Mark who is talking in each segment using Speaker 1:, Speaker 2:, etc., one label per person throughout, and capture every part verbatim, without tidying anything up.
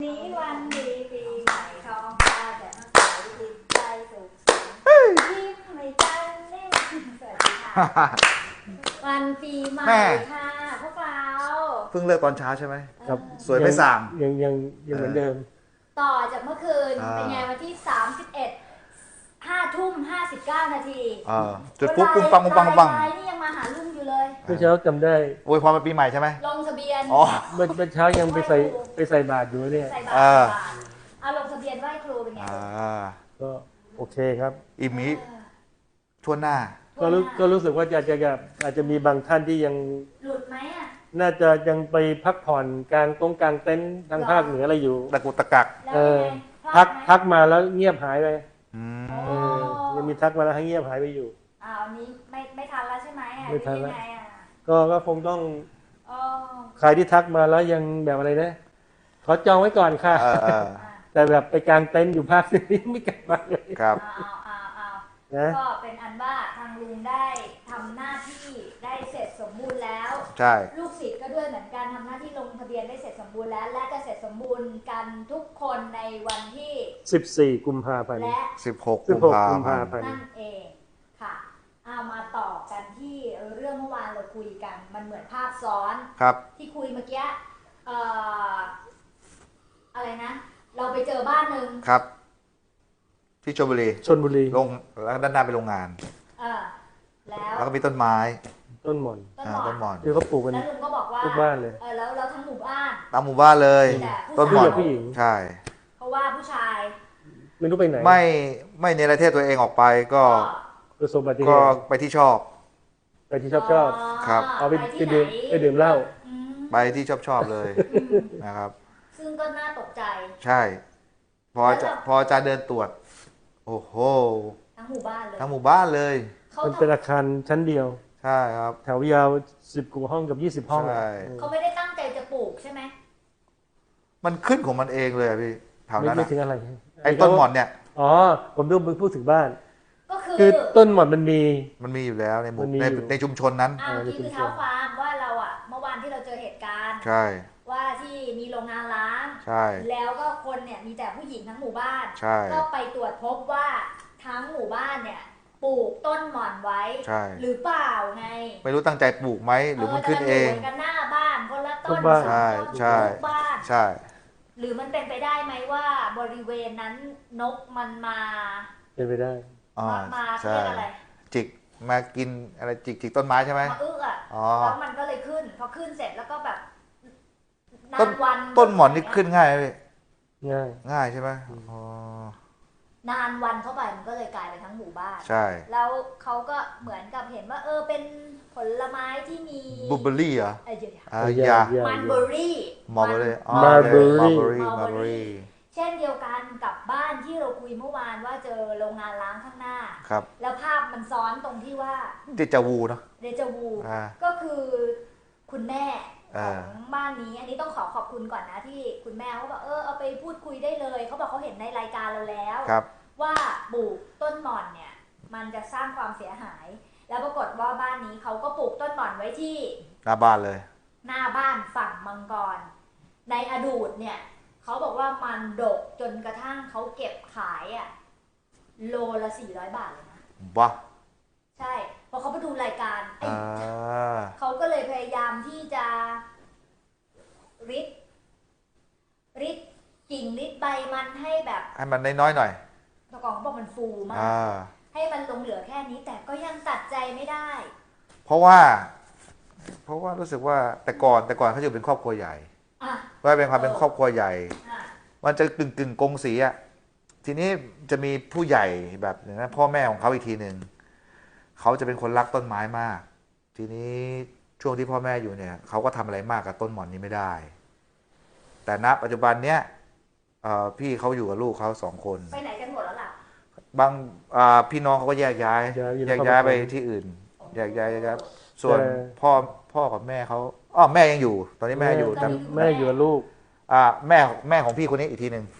Speaker 1: นี้วันดีปีใหม่ท้องฟ้าแจ่มใสจิตใจสุขสันต์ยิ้มไม่จันเล่นสวัสดีค่ะวันปีใหม่ค่ะพวกเรา
Speaker 2: เพิ่งเลิกตอนเช้าใช่ไหม
Speaker 3: ครับ
Speaker 2: สวยไม่สั่ง
Speaker 3: ยังยังยังเหมือนเดิม
Speaker 1: ต่อจากเมื่อคืนเป็นไงวันที่สามสิบเอ็ดห้าทุ่มห้าสิบเก้านาที
Speaker 2: จุดปุ๊บปุ้งปังปุ้งปังปุ้งปัง
Speaker 1: นี่ยังมาหาลุงอยู่เลย
Speaker 3: เมื่อเช้าจำได้
Speaker 2: โอ้ยพอมาปีใหม่ใช่ไหม
Speaker 1: ลงทะเบียน
Speaker 2: อ๋อ
Speaker 3: เมื่อเมื่อเช้ายังไปใส่ไปใส่บาตรอยู่เนี่ย
Speaker 1: ใส่บาตรเอาลงทะเบียนไหว้ครูเป็นไง
Speaker 3: ก็โอเคครับ
Speaker 2: อิมิทั่วหน้า
Speaker 3: ก็รู้ก็รู้สึกว่าจะจะอาจจะมีบางท่านที่ยัง
Speaker 1: หลุดไหมอ่ะ
Speaker 3: น่าจะยังไปพักผ่อนกลางตรงกลางเต็นท์ทางภาคเหนืออะไรอยู่
Speaker 2: ตะกุกตะกัก
Speaker 3: เออพักพักมาแล้วเงียบหายไป
Speaker 1: เอ
Speaker 3: อยังมีทักมาแล้วให้เงียบหายไปอยู่
Speaker 1: อ้าวนี้ไม่ไม่ทันแล้วใช่ไหมอ่ะ
Speaker 3: ไม่ทันแล้ว
Speaker 1: ก็
Speaker 3: ก็คงต้องใครที่ทักมาแล้วยังแบบอะไรนะขอจองไว้ก่อนค่ะแต่แบบไปกลางเต็นท์อยู่ภาคนี้ไม่กลับมาเลย
Speaker 2: ครับ
Speaker 1: นะก็เป็นอันว่าทางลุงได้ทำหน้าที่ได้เสร็จสมบูรณ์แล้ว
Speaker 2: ใช่
Speaker 1: ลูกศิษย์ก็ด้วยเหมือนกันทำหน้าที่ลงทะเบียนได้เสร็จสมบูรณ์แล้วและจะเสร็จสมบูรณ์กันทุกคนในวันที่
Speaker 3: สิบสี่กุมภาพันธ์
Speaker 1: และ
Speaker 2: สิบหกกุมภาพันธ์
Speaker 1: นั่นเองค่ะเอามาต่อกันที่เรื่องเมื่อวานเราคุยกันมันเหมือนภาพซ้อน
Speaker 2: ครับ
Speaker 1: ที่คุยเมื่อกี้เอ่ออะไรนะเราไปเจอบ้านหนึ่ง
Speaker 2: ครับที่ชลบุรี
Speaker 3: ชลบุรี
Speaker 2: ลงแล้วด้านหน้าเป็นโรงงาน
Speaker 1: เออแล้ว
Speaker 2: แล้วก็มีต้นไม้
Speaker 3: ต้นหม่อน
Speaker 2: ต้นหม่อน
Speaker 3: คือเขาปลูกกัน
Speaker 1: แล้วลุงก็บอกว่า
Speaker 3: ทุกบ้านเลย
Speaker 1: เออแล้วเราทั้งหมู่บ้าน
Speaker 2: ตามหมู่บ้านเลยต้นหม่อน
Speaker 3: ผู้หญิง
Speaker 2: ใช่
Speaker 1: เพราะว่าผู้ชาย
Speaker 3: ไม่รู้ไปไหน
Speaker 2: ไม่ไม่เนรเทศตัวเองออกไปก็ก็ไปที่ชอบ
Speaker 3: ไปที่ชอบชอบ
Speaker 2: ครับ
Speaker 3: เอาไปไปดื่มไปดื่มเหล้า
Speaker 2: ไปที่ชอบชอบเลยนะครับ
Speaker 1: ซึ่งก็น่าตกใจ
Speaker 2: ใช่พอจะพอจะเดินตรวจโอ้โห
Speaker 1: ทั้งหมู่บ้านเลย
Speaker 2: ทั้งหมู่บ้านเลย
Speaker 3: มันเป็นอาคารชั้นเดียว
Speaker 2: ใช่ครับ
Speaker 3: แถวยาวสิบกว่าห้องกับยี่สิบห้อง
Speaker 2: ใช่
Speaker 1: เขาไม่ได้ตั้งใจจะปลูกใช่ไหม
Speaker 2: มันขึ้นของมันเองเลยพี่แถวนั้น
Speaker 3: ไม่ถึงอะไร
Speaker 2: ไอ้ต้นหม่อนเนี่ย
Speaker 3: อ๋อผมดูมึงพูดถึงบ้าน
Speaker 1: ก็คือ
Speaker 3: คือต้นหม่อนมันมี
Speaker 2: มันมีอยู่แล้วในหมู่ในในชุมชนนั้น
Speaker 1: อ่านี่คือเท้าความว่าเราอ่ะเมื่อวานที่เราเจอเหตุการณ์
Speaker 2: ใช่
Speaker 1: ว่าที่มีโรงงานล้าง
Speaker 2: ใช่
Speaker 1: แล้วก็คนเนี่ยมีแต่ผู้หญิงทั้งหมู่บ้าน
Speaker 2: ใช่
Speaker 1: ก็ไปตรวจพบว่าทั้งหมู่บ้านเนี่ยปลูกต้นหม่อนไว้หรือเปล่าไง
Speaker 2: ไม่รู้ตั้งใจปลูกไหมหรือมันขึ้นเอง
Speaker 1: กันหน้าบ้านคนละต้น
Speaker 2: ใช่ใช่
Speaker 1: บ้าน
Speaker 2: ใช่
Speaker 1: หรือมันเป็นไปได้ไหมว่าบริเวณนั้นนกมันมา
Speaker 3: เป็นไปได้
Speaker 1: มาเรียกอะไร
Speaker 2: จิกมากินอะไรจิกจิกต้นไม้ใช่ไหม
Speaker 1: มาอึอ่ะแล้วมันก็เลยขึ้นพอขึ้นเสร็จแล้วก็แบบนานวัน
Speaker 2: ต้นหม่อนนี่ขึ้นง่ายไหม
Speaker 3: ง่าย
Speaker 2: ง่ายใช่ไหมอ๋
Speaker 1: อนานวันเข้าไปมันก็เลยกลายเป็นทั้งหมู่บ้าน
Speaker 2: ใช่
Speaker 1: แล้วเขาก็เหมือนกับเห็นว่าเออเป็นผลไม้ที่มี
Speaker 2: บลูเบอร์รี่เหรอ
Speaker 1: ไอ้เดี
Speaker 2: ยา
Speaker 1: มันเบอร์รี่
Speaker 2: มัลเบอร์รี่
Speaker 3: มัลเบอร์
Speaker 2: รี่มัลเบอร์รี่
Speaker 1: เช่นเดียวกันกับบ้านที่เราคุยเมื่อวานว่าเจอโรงงานล้างข้างหน้า
Speaker 2: ครับ
Speaker 1: แล้วภาพมันซ้อนตรงที่ว่า
Speaker 2: เดจาวูเนาะ
Speaker 1: เดจาวูก็คือคุณแม่ของบ้านนี้อันนี้ต้องขอขอบคุณก่อนนะที่คุณแม่เขาบอกเออเอาไปพูดคุยได้เลยเขาบอกเขาเห็นในรายการเราแล้วว่าปลูกต้นหม่อนเนี่ยมันจะสร้างความเสียหายแล้วปรากฏว่าบ้านนี้เขาก็ปลูกต้นหม่อนไว้ที่
Speaker 2: หน้าบ้านเลย
Speaker 1: หน้าบ้านฝั่งมังกรในอดีตเนี่ยเขาบอกว่ามันดกจนกระทั่งเขาเก็บขายอ่ะโลละสี่ร้อยบาทเลยนะ
Speaker 2: ว้า
Speaker 1: ใช่พอเขาไปดูรายการเขาก็เลยพยายามที่จะริดริดกิ่งริดใบมันให้แบบ
Speaker 2: ให้มันน้อยๆหน่อย
Speaker 1: ตะกองเขาบอกมันฟูมากให้มันลงเหลือแค่นี้แต่ก็ยังตัดใจไม่ได้
Speaker 2: เพราะว่าเพราะว่ารู้สึกว่าแต่ก่อนแต่ก่อนเขาอยู่เป็นครอบครัวใหญ่ว่าเป็นความเป็นครอบครัวใหญ่มันจะกึ่งกึ่งกงสีอ่ะทีนี้จะมีผู้ใหญ่แบบอย่างนั้นพ่อแม่ของเขาอีกทีหนึ่งเขาจะเป็นคนรักต้นไม้มากทีนี้ช่วงที่พ่อแม่อยู่เนี่ยเขาก็ทำอะไรมากกับต้นหม่อนนี้ไม่ได้แต่ณปัจจุบันเนี้ยพี่เขาอยู่กับลูกเขาสองคน
Speaker 1: ไปไหนกันหมดแล้วล่ะ
Speaker 2: บางพี่น้องเขาก็แยกย้ายแยกย้ายไปที่อื่นแยกย้ายครับส่วนพ่อพ่อกับแม่เขาอ๋อแม่ยังอยู่ตอนนี้แม่อยู่แต่
Speaker 3: แม่อยู่กับลูก
Speaker 2: อ่าแม่แม่ของพี่คนนี้อีกทีหนึ่ง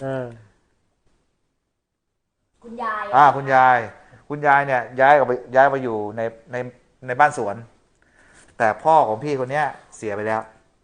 Speaker 1: คุณยาย
Speaker 2: อ่าคุณยายคุณยายเนี่ยย้ายออกไปย้ายไปอยู่ในในในบ้านสวนแต่พ่อของพี่คนนี้เสียไปแล้ว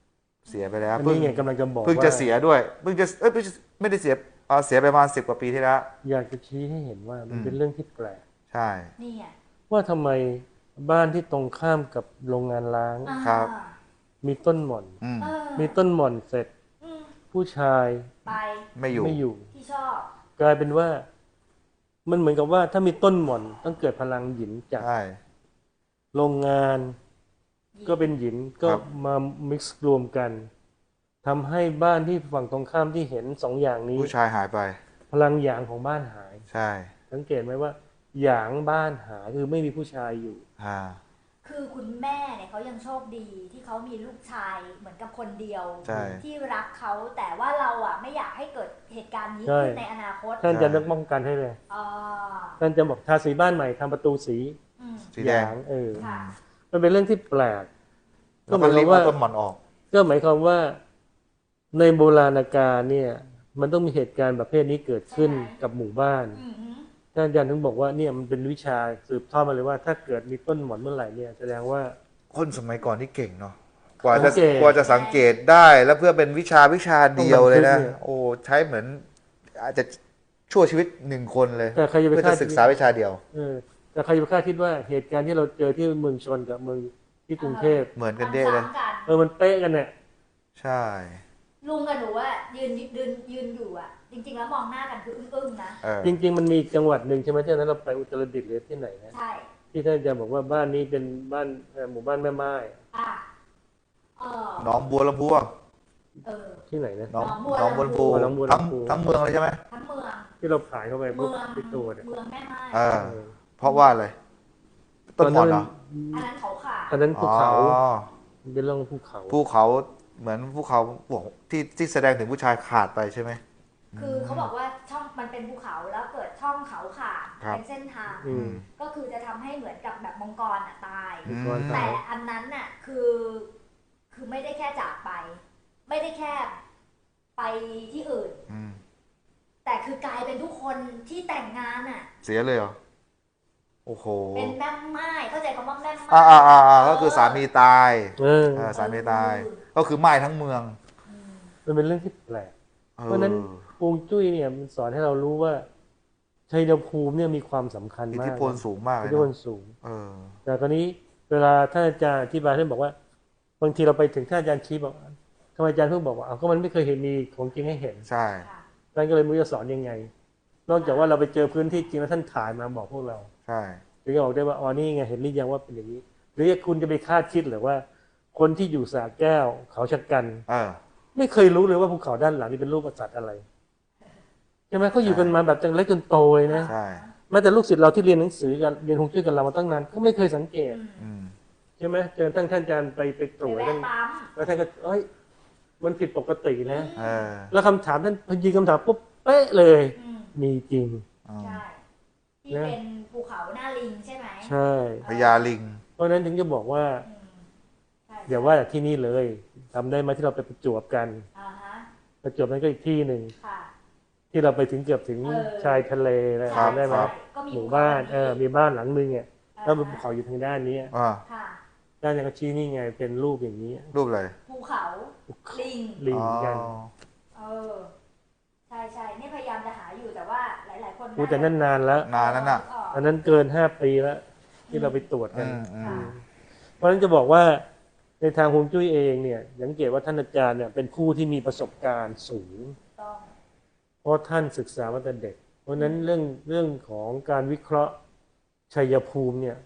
Speaker 2: เสียไปแล้ว
Speaker 3: อัน
Speaker 2: เพิ่ง
Speaker 3: นี้ไงกำลังจะบอก
Speaker 2: เพิ่ง
Speaker 3: ว่า
Speaker 2: จะเสียด้วยเพิ่งจะเอ้ยไม่ใช่ไม่ได้เสียเอ่อเสียไปประมาณสิบกว่าปีที่แล้ว
Speaker 3: อยากจะชี้ให้เห็นว่ามัน
Speaker 2: อืม
Speaker 3: เป็นเรื่องที่แปลก
Speaker 2: ใช่
Speaker 1: นี่ไง
Speaker 3: ว่าทำไมบ้านที่ตรงข้ามกับโรงงานล้าง
Speaker 1: อ่า
Speaker 2: ครับ
Speaker 3: มีต้นหม่อน
Speaker 2: อืม
Speaker 1: เออ
Speaker 3: มีต้นหม่อนเสร็จ
Speaker 1: อืม
Speaker 3: ผู้ชาย
Speaker 1: ไป
Speaker 2: ไม่อยู่
Speaker 3: ไม่อยู่
Speaker 1: ที่ชอบ
Speaker 3: กลายเป็นว่า มันเหมือนกับว่าถ้ามีต้นหม่อนต้องเกิดพลังหยินจาก
Speaker 2: ใช่
Speaker 3: โรงงาน ก็เป็นหยินก็
Speaker 2: ครับ
Speaker 3: มา mix รวมกันทำให้บ้านที่ฝั่งตรงข้ามที่เห็นสองอย่างนี้
Speaker 2: ผู้ชายหายไป
Speaker 3: พลังหยางของบ้านหาย
Speaker 2: ใช่
Speaker 3: สังเกตไหมว่า หยางบ้านหายคือไม่มีผู้ชายอยู่
Speaker 2: อ่า
Speaker 1: คือคุณแม่เนี่ยเขายังโชคดีที่เขามีลูกชายเหมือนกับคนเดียว
Speaker 2: ใช่
Speaker 1: ที่รักเขาแต่ว่าเราอ่ะไม่อยากให้เกิดเหตุการณ์นี้
Speaker 3: ใช่
Speaker 1: ขึ้นในอนาคต
Speaker 3: ท่านจะนึกป้องกันให้เลย
Speaker 1: อ่า
Speaker 3: ท่านจะบอกทาสีบ้านใหม่ทำประตูสี
Speaker 1: อืม
Speaker 2: สีแดง
Speaker 3: หยางเออ
Speaker 1: ค่ะ
Speaker 3: มันเป็นเรื่องที่แปลก ก็
Speaker 2: แล้ว
Speaker 3: ห
Speaker 2: ก็
Speaker 3: มายค
Speaker 2: รี
Speaker 3: วา
Speaker 2: บ
Speaker 3: มว่า
Speaker 2: เอาต้นหม่อนออก
Speaker 3: ก็หมายความว่าในโบราณกาลเนี่ย มันต้องมีเหตุการณ์ประเภทนี้เกิดขึ้นกับหมู่บ้าน
Speaker 1: อืมฮึ
Speaker 3: ท่านอาจารย์ถึงบอกว่าเนี่ยมันเป็นวิชาสืบทอดมาเลยว่า ถ้าเกิดมีต้นหม่อนเมื่อไหร่เนี่ยแสดงว่า
Speaker 2: คนสมัยก่อนนี่เก่งเนาะกว่าจะ
Speaker 3: สังเกต
Speaker 2: กว่าจะสังเกตได้แล้วเพื่อเป็นวิชาวิชาเดียวเลยนะ
Speaker 3: ต้องบันทึกเนี่ย
Speaker 2: โอ้ใช้เหมือน อาจจะชั่วชีวิตหนึ่งคนเลย
Speaker 3: แต่ใครจะไป
Speaker 2: เพื่อ
Speaker 3: คา
Speaker 2: จะ
Speaker 3: ด
Speaker 2: ศึกษาวิชาเดียว
Speaker 3: เออแต่ใครจะไปคาดคิดว่าเหตุการณ์ที่เราเจอที่เมืองชนกับเมืองที่กรุงเทพ
Speaker 2: เหมือนกันเด้เลย
Speaker 1: ซ้ำๆกัน
Speaker 3: เออมันเป๊ะกันเนี่ย
Speaker 2: ใช่
Speaker 1: ลุงกับหนูอะยืนยืนยืนอยู่อะจริง ๆ แล้วมองหน้ากันคืออึ้งๆนะ
Speaker 2: เออ
Speaker 3: จริง ๆ มันมีจังหวัดหนึ่งใช่ไหมที่นั้นเราไปอุตรดิตถ์หรือที่ไหนนะ
Speaker 1: ใช่
Speaker 3: ที่ท่านอาจารย์บอกว่าบ้านนี้เป็นบ้านเอ่อหมู่บ้านแม่ไม้
Speaker 1: อ่ะเออ
Speaker 2: หนองบัวลำพูอะ
Speaker 1: เออ
Speaker 3: ที่ไหนนะ
Speaker 2: หนอง
Speaker 1: หนองบัว
Speaker 2: หนองบัวลำพู
Speaker 3: หนองบัว
Speaker 2: ทั้ง
Speaker 3: ลำพู
Speaker 2: ทั้งเมืองเลยใช่ไหม
Speaker 1: ทั้งเมือง
Speaker 3: ที่เราผ่านเข้าไป
Speaker 1: เมื
Speaker 3: ปุ๊บ
Speaker 1: อง
Speaker 3: ที่ตัวเนี่ย
Speaker 1: เมืองแม่ไม้
Speaker 2: เออ
Speaker 3: เออ
Speaker 2: เพราะว่าอะไรต้นหม่อนเหรอ
Speaker 1: อันนั้นเขาขาด
Speaker 3: อันนั้นภูเขา
Speaker 2: อ๋อ
Speaker 3: มันเป็นเรื่องภูเขา
Speaker 2: ภูเขาเหมือนภูเขาบอกที่ที่แสดงถึงผู้ชายขาดไปใช่ไหม
Speaker 1: คือเขาบอกว่าช่องมันเป็นภูเขาแล้วเกิดช่องเขาขาด
Speaker 2: ครับ
Speaker 1: เป็นเส้นทาง
Speaker 3: อืม
Speaker 1: ก็คือจะทำให้เหมือนกับแบบมังกรอ่ะตาย
Speaker 2: อืม
Speaker 3: ก่อน
Speaker 1: แต่
Speaker 3: ตาย
Speaker 1: อันนั้นน่ะคือ คือไม่ได้แค่จากไป ไม่ได้แค่ไปที่อื่น
Speaker 2: อืม
Speaker 1: แต่คือกลายเป็นทุกคนที่แต่งงานอ่ะ
Speaker 2: เสียเลยเหรอ โอ้โห
Speaker 1: เป็นแม่ไม้เข้าใจคำว่าแม่ไม้
Speaker 2: อ่าอ่าอ่าอ่าก็คือสามีตาย
Speaker 3: เออ
Speaker 2: เออสามีตาย ก็คือไหม้ทั้งเมือง
Speaker 1: อืม
Speaker 3: มันเป็นเรื่องที่แปลก
Speaker 2: ออ
Speaker 3: เพราะฉะนั้นฮวงจุ้ยเนี่ยมันสอนให้เรารู้ว่าชัยภูมิเนี่ยมีความสำคัญ
Speaker 2: อิท
Speaker 3: มาก
Speaker 2: ธิพลสูงมากเล
Speaker 3: อิ
Speaker 2: ย
Speaker 3: ทธิพล
Speaker 2: นะ
Speaker 3: สูง
Speaker 2: เออ
Speaker 3: แต่ตอนนี้เวลาท่านอาจารย์อธิบายท่านบอกว่า บางทีเราไปถึงท่านอาจารย์ชี้บอกทำไมอาจารย์เพิ่งบอกว่าเอาก็มันไม่เคยเห็นมีของจริงให้เห็น
Speaker 2: ใช่
Speaker 1: ค่ะ
Speaker 3: ท่านก็เลยไม่รู้จะสอนยังไง นอกจากว่าเราไปเจอพื้นที่จริงแล้วท่านถ่ายมาบอกพวกเรา
Speaker 2: ใช่
Speaker 3: ถึงจะบอกได้ว่าอ๋อนี่ไงเห็นหรือยังว่าเป็นอย่างนี้ หรือคุณจะไปคาดคิดหรือว่า คนที่อยู่สระแก้ว เขาชะกัน
Speaker 2: เออ
Speaker 3: ไม่เคยรู้เลยว่าภูเขาด้านหลังนี่เป็นรูปสัตว์อะไรใช่ไหมเขาอยู่กันมาแบบจนเล็กจนโตเลยนะ
Speaker 2: ใช่
Speaker 3: แม้แต่ลูกศิษย์เราที่เรียนหนังสือกันเรียนฮวงจุ้ยกันเรามาตั้งนานก็ไม่เคยสังเกต
Speaker 1: อืม
Speaker 2: อืม
Speaker 3: ใช่ไหมเจอตั้งท่านอาจารย์ไปไปตรวจ
Speaker 1: ไป
Speaker 3: ท่าน
Speaker 1: แวะปั๊ม
Speaker 3: แล้วท่านก็เอ้ยมันผิดปกตินะ
Speaker 2: เออ
Speaker 3: แล้วคำถามท่านพอยิงคำถามปุ๊บเป๊ะเลย
Speaker 1: อืม
Speaker 3: มีจริง
Speaker 2: อืม
Speaker 1: ใช่ที่
Speaker 3: นะ
Speaker 1: เป็นภูเขาหน้าลิงใช่ไหม
Speaker 3: ใช่
Speaker 2: พญาลิง
Speaker 3: เพราะฉะนั้นถึงจะบอกว่า
Speaker 1: อืมใช่
Speaker 3: อย่าว่าแต่ที่นี่เลยทำได้ไหมที่เราไปประจวบกัน
Speaker 1: อ่าฮะ
Speaker 3: ประจวบนั้นก็อีกที่หนึ่ง
Speaker 1: ค่ะ
Speaker 3: ที่เราไปถึงเกือบถึง
Speaker 1: เออ
Speaker 3: ชายทะเลนะ
Speaker 1: ใช่
Speaker 3: จำได้ไหม
Speaker 1: ใช่ก็มี
Speaker 3: หมู่บ้าน
Speaker 1: ภูข
Speaker 3: เออมีบ้านหลังนึงเนี่ย
Speaker 1: อ่า
Speaker 3: แล้วเป็นภูเขาอยู่ทางด้านนี้
Speaker 2: อ่า
Speaker 1: ค่ะ
Speaker 3: ด้านยังก็ชี้นี่ไงเป็นรูปอย่างนี้
Speaker 2: รูปอะไร
Speaker 1: ภูเขาลิง
Speaker 3: ลิงกัน
Speaker 2: อ๋อ
Speaker 1: เออ ใช่ใช่นี่พยายามจะหาอยู่แต่ว่าหลาย ๆ คน
Speaker 3: อู้แต่นั่นนานแล้ว
Speaker 2: นานนั้นน่ะ
Speaker 3: อันนั้นเกินห้าปีแล้วที่เราไปตรวจกั
Speaker 2: อื
Speaker 3: น
Speaker 2: มอืม
Speaker 3: เพราะฉะนั้นจะบอกว่าในทางฮวงจุ้ยเองเนี่ยสังเกตว่าท่านอาจารย์เนี่ยเป็นผู้ที่มีประสบการณ์สูง
Speaker 1: ต้อง
Speaker 3: เพราะท่านศึกษามาแต่เด็ก เพราะฉะนั้นเรื่องเรื่องของการวิเคราะห์ชัยภูมิเนี่ย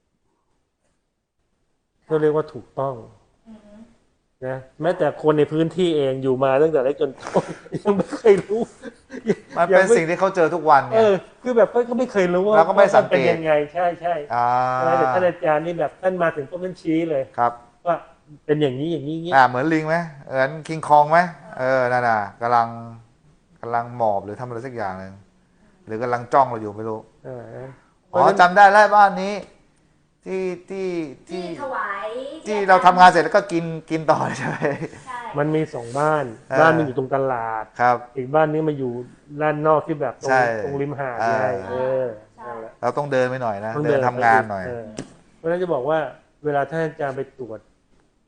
Speaker 3: ก็เรียกว่าถูกต้อง
Speaker 1: อือฮึ
Speaker 3: นะแม้แต่คนในพื้นที่เองอยู่มาตั้งแต่เล็กจนโต ยังไม่เคยรู้
Speaker 2: มันเป็นสิ่งที่เขาเจอทุกวัน
Speaker 3: เอ
Speaker 2: ไง
Speaker 3: อคือแบบเขาไม่เคยรู้ว่า
Speaker 2: เราก็ไม่สังเกต
Speaker 3: เป็นยังไงใช่ใช่
Speaker 2: อ่า
Speaker 3: แต่ท่านอาจารย์นี่แบบท่านมาถึงก็ท่านชี้เลย
Speaker 2: ครับ
Speaker 3: ว่าเป็นอย่างนี้อย่างนี้อย่างนี้
Speaker 2: อ่าเหมือนลิงไหมเหมือนคิงคองไหมเออนั่นน่ะกำลังกำลังหมอบหรือทำอะไรสักอย่างหนึ่งหรือกำลังจ้องเราอยู่ไม่รู้
Speaker 3: เออ
Speaker 2: อ๋อจำได้แล้วบ้านนี้ ที่ที่
Speaker 1: ที่
Speaker 2: ที่
Speaker 1: ถวาย
Speaker 2: ที่เราทำงานเสร็จแล้วก็กินกินต่อเลยใช่ไหม
Speaker 1: ใช่
Speaker 3: มันมีสองบ้าน
Speaker 2: เออ
Speaker 3: บ้านหนึงอยู่ตรงตลาด
Speaker 2: ครับ
Speaker 3: อีกบ้านนึงมาอยู่ด้านนอกที่แบบตร
Speaker 2: ใช่
Speaker 3: งตรงริมหาด
Speaker 2: อ่า
Speaker 3: ไงเออนั่นแหละ
Speaker 2: เราต้องเดินไปหน่อยนะ
Speaker 3: ต้อง
Speaker 2: เดินทำงานหน่อย
Speaker 3: เเพราะฉะนั้นจะบอกว่าเวลาท่านอาจารย์ไปตรวจฮ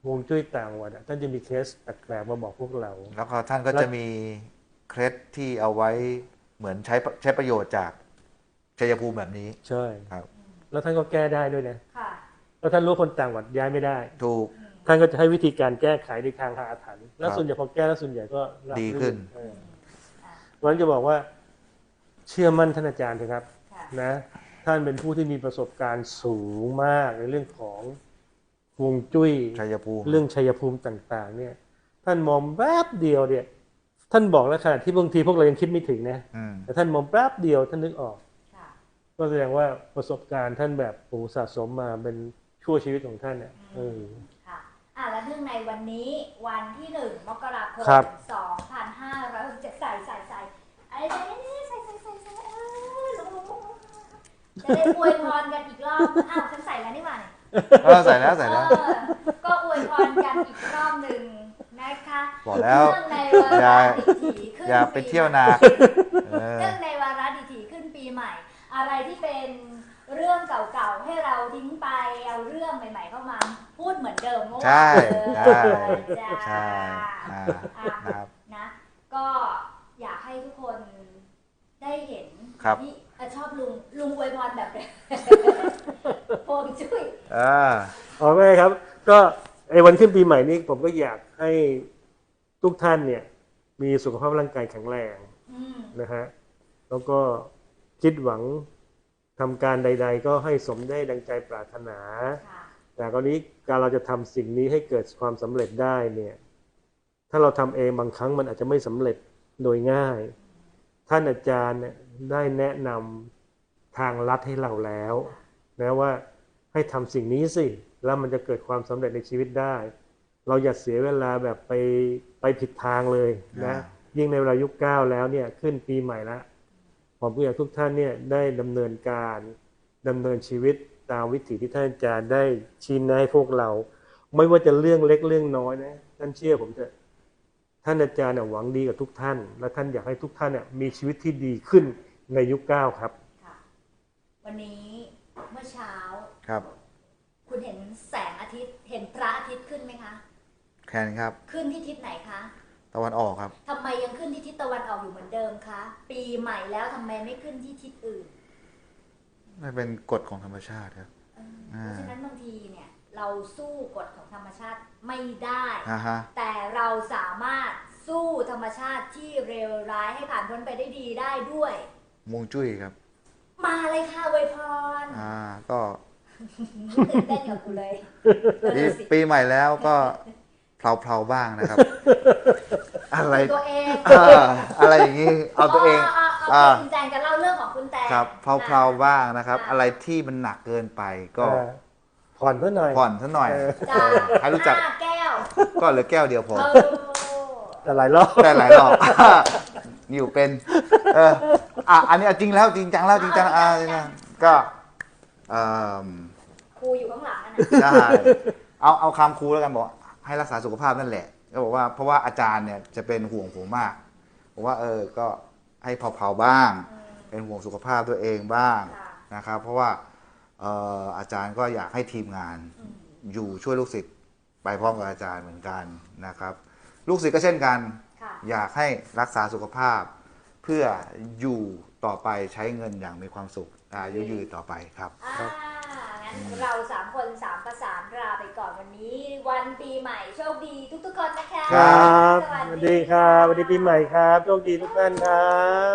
Speaker 3: ฮวงจุ้ยต่างจังหวัดอะท่านจะมีเคสแปลกๆมาบอกพวกเรา
Speaker 2: แล้วก็ท่านก็จะมีเคล็ดที่เอาไว้เหมือนใช้ใช้ประโยชน์จากชัยภูมิแบบนี้
Speaker 3: ใช่
Speaker 2: ครับ
Speaker 3: แล้วท่านก็แก้ได้ด้วยนะ
Speaker 1: ค่ะ
Speaker 3: แล้วท่านรู้คนต่างจังหวัดย้ายไม่ได้
Speaker 2: ถูก
Speaker 3: ท่านก็จะให้วิธีการแก้ไขในทางหาอาถรรพ์แล้ว
Speaker 2: ครับ
Speaker 3: ส่วนใหญ่พอแก้แล้วส่วนใหญ่ก็ราบ
Speaker 2: ดี
Speaker 3: รื่
Speaker 2: ขึ้น
Speaker 3: เออเพราะฉะนั้นจะบอกว่าเชื่อมั่นท่านอาจารย์เถอะครับ
Speaker 1: ค่ะ
Speaker 3: นะท่านเป็นผู้ที่มีประสบการณ์สูงมากในเรื่องของฮวงจุ้ย
Speaker 2: ชัยภูมิ
Speaker 3: เรื่องชัยภูมิต่างๆ เนี่ย ท่านมองแป๊บเดียวเนี่ย ท่านบอกแล้วขนาดที่บางทีพวกเรายังคิดไม่ถึงนะ
Speaker 2: อืม
Speaker 3: แต่ท่านมองแป๊บเดียวท่านนึกออก
Speaker 1: ค่ะ
Speaker 3: ก็แสดงว่าประสบการณ์ท่านแบบโอ้สะสมมาเป็นชั่วชีวิตของท่านเนี่ยเออ
Speaker 1: ค่ะอ่ะแล้วเนื่องในวันนี้วันที่หนึ่งมกราคม
Speaker 3: ครับ
Speaker 1: สองพันห้าร้อยหกสิบเจ็ดใส่ใส่ใส่ไอ้ใส่ใส่ใส่ใส่ใส่เออลงลงลงจะได้อวยพรกันอีกรอบอ้าวฉันใส่แล้วนี่หว่าเนี่ย
Speaker 2: เออใส่แล้วใส่แล้ว
Speaker 1: เออก็อวยพรกันอีกรอบหนึ่งนะคะ
Speaker 2: บอกแล้ว
Speaker 1: เนื่องในวา
Speaker 2: อย่า
Speaker 1: ระดิถีขึ้น
Speaker 2: อย่าไปเที่ยวนา เออ
Speaker 1: เนื่องในวาระดิถีขึ้นปีใหม่ อะไรที่เป็นเรื่องเก่าๆให้เราทิ้งไปเอาเรื่องใหม่ ๆ เข้ามาพูดเหมือนเดิมเมื่อวาน
Speaker 2: ใช่
Speaker 1: เอ
Speaker 2: ใช่
Speaker 1: อจ้า
Speaker 2: ใช่อ่า
Speaker 1: อ่ะ
Speaker 2: นะครับ
Speaker 1: นะก็อยากให้ทุกคนได้เห็น
Speaker 2: ครับ
Speaker 1: นี่อ่ะชอบลุงลุงอวยพรแบบ โฮงจุ้ย
Speaker 2: อ่า
Speaker 3: เอาไว้ครับ ก็ไอ้วันขึ้นปีใหม่นี้ผมก็อยากให้ทุกท่านเนี่ย มีสุขภาพร่างกายแข็งแรง
Speaker 1: อืม
Speaker 3: นะฮะแล้วก็คิดหวังทำการใด ๆ ก็ให้สมได้ดังใจปรารถนา
Speaker 1: ค่ะ
Speaker 3: แต่กรณีการเราจะทำสิ่งนี้ให้เกิดความสำเร็จได้เนี่ย ถ้าเราทำเองบางครั้งมันอาจจะไม่สำเร็จโดยง่าย ท่านอาจารย์เนี่ยได้แนะนำทางลัดให้เราแล้วนะว่าให้ทำสิ่งนี้สิแล้วมันจะเกิดความสำเร็จในชีวิตได้ เราอย่าเสียเวลาแบบไปไปผิดทางเลยนะ
Speaker 2: อ่า
Speaker 3: ยิ่งในเวลายุคเก้าแล้วเนี่ยขึ้นปีใหม่แล้วผมก็อยากทุกท่านเนี่ยได้ดำเนินการดำเนินชีวิตตามวิถีที่ท่านอาจารย์ได้ชี้แนะให้พวกเรา ไม่ว่าจะเรื่องเล็กเรื่องน้อยนะท่านเชื่อผมเถอะท่านอาจารย์เนี่ยหวังดีกับทุกท่าน และท่านอยากให้ทุกท่านเนี่ยมีชีวิตที่ดีขึ้นในยุคเก้าครับ
Speaker 1: ค่ะ วันนี้เมื่อเช้า
Speaker 2: ครับ
Speaker 1: คุณเห็นแสงอาทิตย์เห็นพระอาทิตย์ขึ้นไหมคะ
Speaker 2: แคนครับ
Speaker 1: ขึ้นที่ทิศไหนคะ
Speaker 2: ตะวันออกครับ
Speaker 1: ทำไมยังขึ้นที่ทิศตะวันออกอยู่เหมือนเดิมคะ ปีใหม่แล้วทำไมไม่ขึ้นที่ทิศอื่น
Speaker 2: มันเป็นกฎของธรรมชาติครับ
Speaker 1: เออเพราะฉะนั้นบางทีเนี่ยเราสู้กฎของธรรมชาติไม่ได้
Speaker 2: อ่าฮะ
Speaker 1: แต่เราสามารถสู้ธรรมชาติที่เลวร้ายให้ผ่านพ้นไปได้ดีได้ด้วย
Speaker 2: มวงจุ้ยครับ
Speaker 1: มาเลยค่ะอวยพร
Speaker 2: อ่า ก็
Speaker 1: ตื่นเต้นกับกูเลย
Speaker 2: ปีปีใหม่แล้วก็เพลาๆบ้างนะครับ อะไร
Speaker 1: ตัวเอง
Speaker 2: อ่าอะไรอย่างนี้ เอาตัวเอง
Speaker 1: เอาเอา
Speaker 2: อ่า
Speaker 1: คุณแจงจะเล่าเรื่องของคุณแตง
Speaker 2: ครับเพลาๆบ้างนะครับ อะไรที่มันหนักเกินไปก็
Speaker 3: เออผ่อนเพื่อหน่อย
Speaker 2: ผ่อนซะหน่อย
Speaker 3: เออ
Speaker 1: จ้า
Speaker 2: ใครรู้จัก
Speaker 1: ห้าแก้ว
Speaker 2: ก็เหลือแก้วเดียวพอ
Speaker 1: เออ
Speaker 3: แต่หลายรอบ
Speaker 2: ได้หลายรอบ อยู่เป็น เออ อ่ะ อันนี้เอาจริงแล้วจริงจังแล้วจริงจังอ่ะจริงจังก็เอ่อ
Speaker 1: ครูอยู่ข้างหลังนั่น
Speaker 2: ใช่
Speaker 1: น่ะ
Speaker 2: เอาเอาคำครูแล้วกันบอกให้รักษาสุขภาพนั่นแหละก็บอกว่าเพราะว่าอาจารย์เนี่ยจะเป็นห่วงผมมากบอกว่าเออก็ให้เผาๆบ้าง
Speaker 1: อืม
Speaker 2: เป็นห่วงสุขภาพตัวเองบ้าง
Speaker 1: ค่ะ
Speaker 2: นะครับ เพราะว่าเอ่ออาจารย์ก็อยากให้ทีมงาน
Speaker 1: อืม
Speaker 2: อยู่ช่วยลูกศิษย์ไปพร้อมกับอาจารย์เหมือนกันนะครับ ลูกศิษย์ก็เช่นกัน
Speaker 1: ค่ะ
Speaker 2: อยากให้รักษาสุขภาพ เพื่ออยู่ต่อไปใช้เงินอย่างมีความสุขอายุยืนต่อไปครับ
Speaker 1: อ่างั้นเราสามคนสามประสานลาไปก่อนวันนี้ วันปีใหม่โชคดีทุกๆคนนะคะ
Speaker 3: ครับสวัสดีครับสวัสดีปีใหม่ครับโชคดีทุกท่านครับ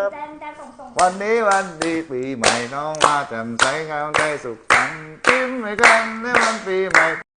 Speaker 1: แดนแดนส่งส่ง
Speaker 2: วันนี้วันดีปีใหม่น้องมาแจ่มใสงามใจสุขสันต์ยิ้มให้กันในวันปีใหม่